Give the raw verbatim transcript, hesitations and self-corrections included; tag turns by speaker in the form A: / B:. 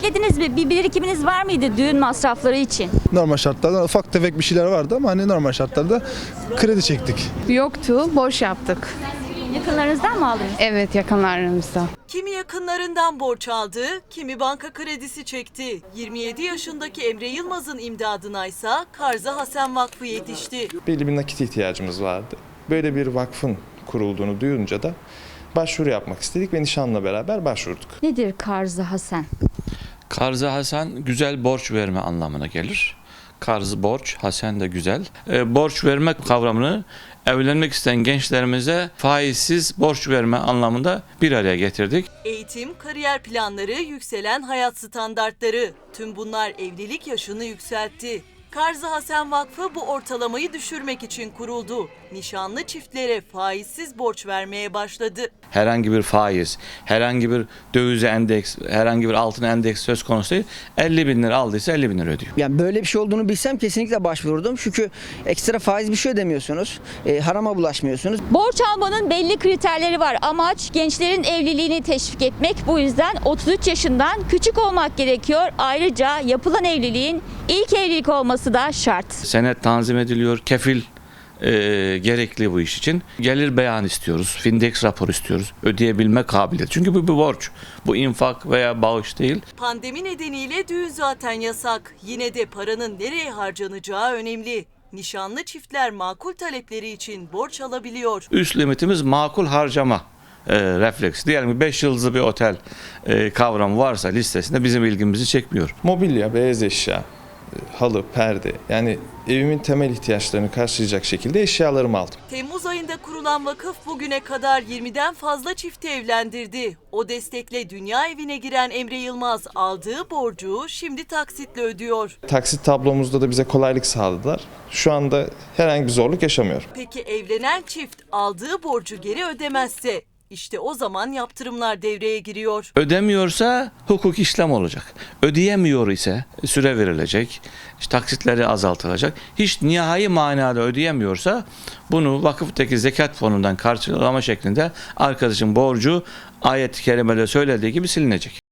A: beklediniz mi? Bir birikiminiz var mıydı düğün masrafları için?
B: Normal şartlarda ufak tefek bir şeyler vardı ama hani normal şartlarda kredi çektik.
C: Yoktu, borç yaptık.
A: Yakınlarınızdan mı aldınız?
C: Evet, yakınlarımızda.
D: Kimi yakınlarından borç aldı, kimi banka kredisi çekti. yirmi yedi yaşındaki Emre Yılmaz'ın imdadına ise Karzı Hasen Vakfı yetişti.
E: Belli bir nakit ihtiyacımız vardı. Böyle bir vakfın kurulduğunu duyunca da başvuru yapmak istedik ve nişanla beraber başvurduk.
A: Nedir Karzı Hasen?
F: Karzı Hasen güzel borç verme anlamına gelir. Karzı borç, Hasen de güzel. E, borç verme kavramını evlenmek isteyen gençlerimize faizsiz borç verme anlamında bir araya getirdik.
D: Eğitim, kariyer planları, yükselen hayat standartları. Tüm bunlar evlilik yaşını yükseltti. Karzı Hasen Vakfı bu ortalamayı düşürmek için kuruldu. Nişanlı çiftlere faizsiz borç vermeye başladı.
F: Herhangi bir faiz, herhangi bir dövize endeks, herhangi bir altın endeks söz konusu değil. elli bin lira aldıysa elli bin lira ödüyor.
G: Yani böyle bir şey olduğunu bilsem kesinlikle başvururdum. Çünkü ekstra faiz bir şey ödemiyorsunuz. E, harama bulaşmıyorsunuz.
A: Borç almanın belli kriterleri var. Amaç gençlerin evliliğini teşvik etmek. Bu yüzden otuz üç yaşından küçük olmak gerekiyor. Ayrıca yapılan evliliğin ilk evlilik olması da şart.
F: Senet tanzim ediliyor, kefil e, gerekli bu iş için. Gelir beyan istiyoruz, Findex rapor istiyoruz, ödeyebilme kabiliyeti. Çünkü bu bir borç, bu infak veya bağış değil.
D: Pandemi nedeniyle düğün zaten yasak. Yine de paranın nereye harcanacağı önemli. Nişanlı çiftler makul talepleri için borç alabiliyor.
F: Üst limitimiz makul harcama e, refleksi. Diyelim ki beş yıldızlı bir otel e, kavramı varsa listesinde bizim ilgimizi çekmiyor.
E: Mobilya, beyaz eşya, halı, perde, yani evimin temel ihtiyaçlarını karşılayacak şekilde eşyalarımı aldım.
D: Temmuz ayında kurulan vakıf bugüne kadar yirmiden fazla çifti evlendirdi. O destekle dünya evine giren Emre Yılmaz aldığı borcu şimdi taksitle ödüyor.
E: Taksit tablomuzda da bize kolaylık sağladılar. Şu anda herhangi bir zorluk yaşamıyorum.
D: Peki evlenen çift aldığı borcu geri ödemezse? İşte o zaman yaptırımlar devreye giriyor.
F: Ödemiyorsa hukuk işlem olacak. Ödeyemiyor ise süre verilecek, işte taksitleri azaltılacak. Hiç nihai manada ödeyemiyorsa bunu vakıftaki zekat fonundan karşılama şeklinde arkadaşın borcu ayet-i kerimede söylediği gibi silinecek.